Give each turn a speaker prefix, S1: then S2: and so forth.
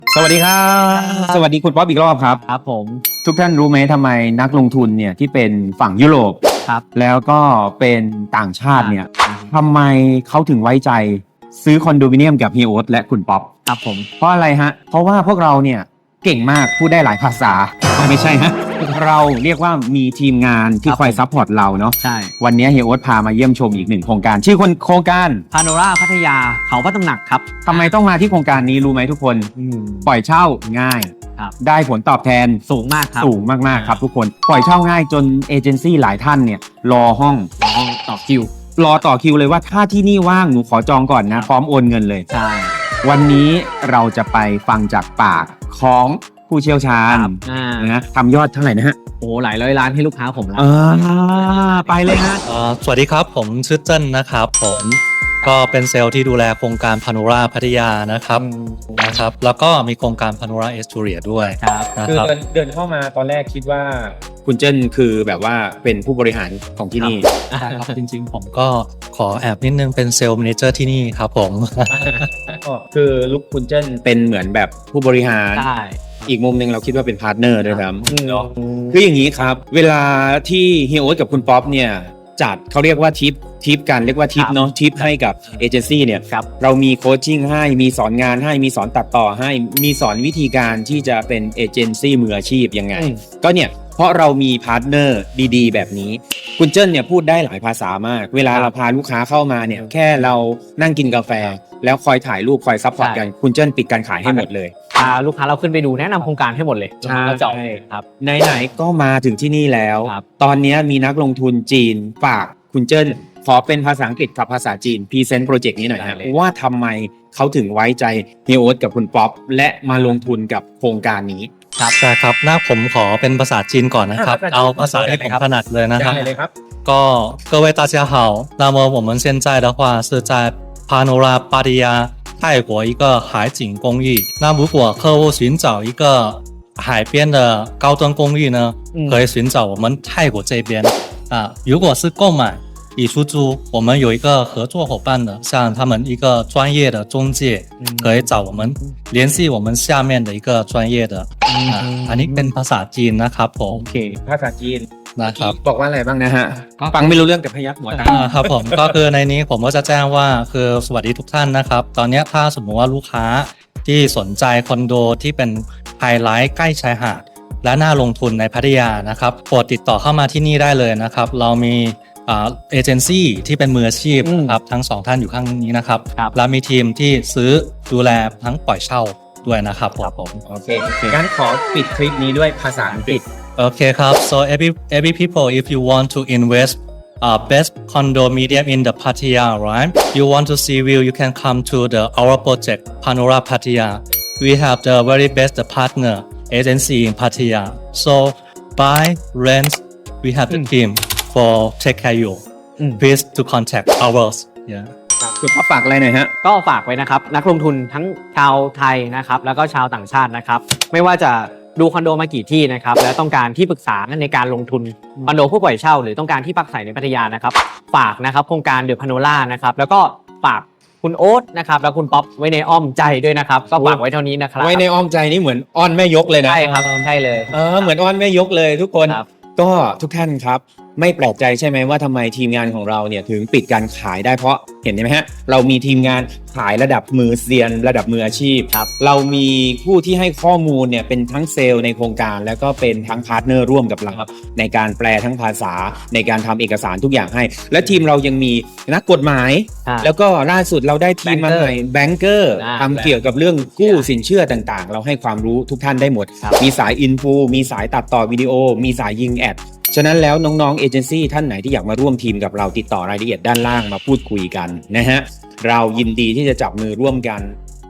S1: สวัสดีครับสวัสดีคุณป๊อปอีกรอบครับ
S2: ครับผม
S1: ทุกท่านรู้ไหมทำไมนักลงทุนเนี่ยที่เป็นฝั่งยุโรป
S2: ครับ
S1: แล้วก็เป็นต่างชาติเนี่ยทำไมเขาถึงไว้ใจซื้อคอนโดมิเนียมกับเฮียโอ๊ตและคุณป๊อป
S2: ครับผม
S1: เพราะอะไรฮะเพราะว่าพวกเราเนี่ยเก่งมากพูดได้หลายภาษาไม่ใช่ฮะเราเรียกว่ามีทีมงานที่คอยซัพพอร์ตเราเนาะ
S2: ใช่
S1: วันนี้เฮียโอ๊ตพามาเยี่ยมชมอีกหนึ่งโครงการชื่อโครงการ
S2: พาโนราพัทยาเขาพระตำหนักครับ
S1: ทำไมต้องมาที่โครงการนี้รู้ไหมทุกคนปล่อยเช่าง่ายได้ผลตอบแทน
S2: สูงมากครับ
S1: สูงมากๆครับทุกคนปล่อยเช่าง่ายจนเอเจนซี่หลายท่านเนี่ยรอห้อง
S2: ต่อคิว
S1: รอต่อคิวเลยว่าถ้าที่นี่ว่างหนูขอจองก่อนนะพร้อมโอนเงินเลย
S2: ใช่
S1: วันนี้เราจะไปฟังจากปากของผู้เชี่ยวชาญนะทำยอดเท่าไหร่นะฮะ
S2: โอ้หลายร้อยล้านให้ลูกค้าผมแล้ว
S1: ไปเลยฮะ
S3: สวัสดีครับผมชื่อเจิ้นนะครับผมก็เป็นเซลล์ที่ดูแลโครงการพาโนราพัทยานะครับแล้วก็มีโครงการพาโนราเอสตูเรียด้วย
S1: คือเดินเข้ามาตอนแรกคิดว่าคุณเจิ้นคือแบบว่าเป็นผู้บริหารของที่นี่
S3: ใช่ครับจริงๆผมก็ขอแอบนิดนึงเป็นเซลล์แมเนเจอร์ที่นี่ครับผม
S1: คือลุคคุณเจิ้นเป็นเหมือนแบบผู้บริหารอีกมุมหนึ่งเราคิดว่าเป็นพาร์ทเนอร์ด้วยครับคืออย่างนี้ครับเวลาที่เฮียโอ๊ตกับคุณป๊อปเนี่ยจัดเขาเรียกว่าทิปกันเรียกว่าทิปเนาะทิปให้กับเอเจนซี่เนี่ยเรามีโคชชิ่งให้มีสอนงานให้มีสอนตัดต่อให้มีสอนวิธีการที่จะเป็นเอเจนซี่มืออาชีพยังไงก็เนี่ยเพราะเรามีพาร์ทเนอร์ดีๆแบบนี้คุณเจิ้นเนี่ยพูดได้หลายภาษามากเวลาเราพาลูกค้าเข้ามาเนี่ยแค่เรานั่งกินกาแฟแล้วคอยถ่ายรูปคอยซัพพอร์ตกันคุณเจิ้นปิดการขายให้หมดเลย
S2: พาลูกค้าเราขึ้นไปดูแนะนำโครงการให้หมดเลย
S1: ใช่
S2: ครับ
S1: ไหนๆก็มาถึงที่นี่แล้วตอนนี้มีนักลงทุนจีนฝากคุณเจิ้นขอเป็นภาษาอังกฤษกับภาษาจีนพรีเซนต์โปรเจกต์นี้หน่อยครับว่าทำไมเขาถึงไว้ใจเฮียโอ๊ตกับคุณป๊อปและมาลงทุนกับโครงการนี้
S3: ครับใช่ครับหน้าผมขอเป็นภาษาจีนก่อนนะครับเอาภาษาที่ผมถนัดเลยนะครับก็各位大家好那么我们现在的话是在 Panora Pattaya 泰国一个海景公寓那如果客户寻找一个海边的高端公寓呢可以寻找我们泰国这边如果是购买以出租我们有一个合作伙伴的像他们一个专业的中介可以找我们联系我们下面的一个专业的อันนี้เป็นภาษาจีนนะครับผม
S1: โอเคภาษาจีน
S3: นะครับ
S1: บอกว่าอะไรบ้างนะฮะฟังไม่รู้เรื่องแต่พยักหัวตา
S3: ครับผมก็คือในนี้ผมก็จะแจ้งว่าคือสวัสดีทุกท่านนะครับตอนนี้ถ้าสมมติว่าลูกค้าที่สนใจคอนโดที่เป็นไฮไลท์ใกล้ชายหาดและน่าลงทุนในพัทยานะครับโปรดติดต่อเข้ามาที่นี่ได้เลยนะครับเรามีเอเจนซี่ที่เป็นมืออาชีพครับทั้งสองท่านอยู่ข้างนี้นะครับและมีทีมที่ซื้อดูแลทั้งปล่อยเช่าด้วยนะครับผม
S1: โอเคงั้นขอปิดคลิปนี้ด้วยภาษาอังกฤษ
S3: โอเคครับ so every people if you want to invest best condominium in the Pattaya right you want to see view you can come to our project Panora Pattaya we have the very best partner agency in Pattaya so buy rent we have the team for take care you please to contact ours yeah
S1: คุณพ่อฝากอะไรหน่อยฮะ
S2: ก็ฝากไว้นะครับนักลงทุนทั้งชาวไทยนะครับแล้วก็ชาวต่างชาตินะครับไม่ว่าจะดูคอนโดมากี่ที่นะครับและต้องการที่ปรึกษาในการลงทุนคอนโดผู้ปล่อยเช่าหรือต้องการที่พักอาศัยในพัทยานะครับฝากนะครับโครงการเดอะพาโนรานะครับแล้วก็ฝากคุณโอ๊ตนะครับแล้วคุณป๊อปไว้ในอ้อมใจด้วยนะครับก็ฝากไว้เท่านี้นะครับ
S1: ไว้ในอ้อมใจนี่เหมือนอ้อนแม่ยกเลยนะ
S2: ใช่ครับใช่เลย
S1: เหมือนอ้อนแม่ยกเลยทุกคนก็ทุกท่านครับไม่แปลกใจใช่ไหมว่าทำไมทีมงานของเราเนี่ยถึงปิดการขายได้เพราะเห็นไหมฮะเรามีทีมงานขายระดับมือเซียนระดับมืออาชีพเรามีผู้ที่ให้ข้อมูลเนี่ยเป็นทั้งเซลล์ในโครงการแล้วก็เป็นทั้งพาร์ทเนอร์ร่วมกับเราในการแปลทั้งภาษาในการทำเอกสารทุกอย่างให้และทีมเรายังมีนักกฎหมายแล้วก็ล่าสุดเราได้ทีมมาใหม่แบงเกอร์ทำเกี่ยวกับเรื่องกู้สินเชื่อต่างๆเราให้ความรู้ทุกท่านได้หมดมีสายอินฟูมีสายตัดต่อวิดีโอมีสายยิงแอดฉะนั้นแล้วน้องๆเอเจนซี่ท่านไหนที่อยากมาร่วมทีมกับเราติดต่อรายละเอียดด้านล่างมาพูดคุยกันนะฮะเรายินดีที่จะจับมือร่วมกัน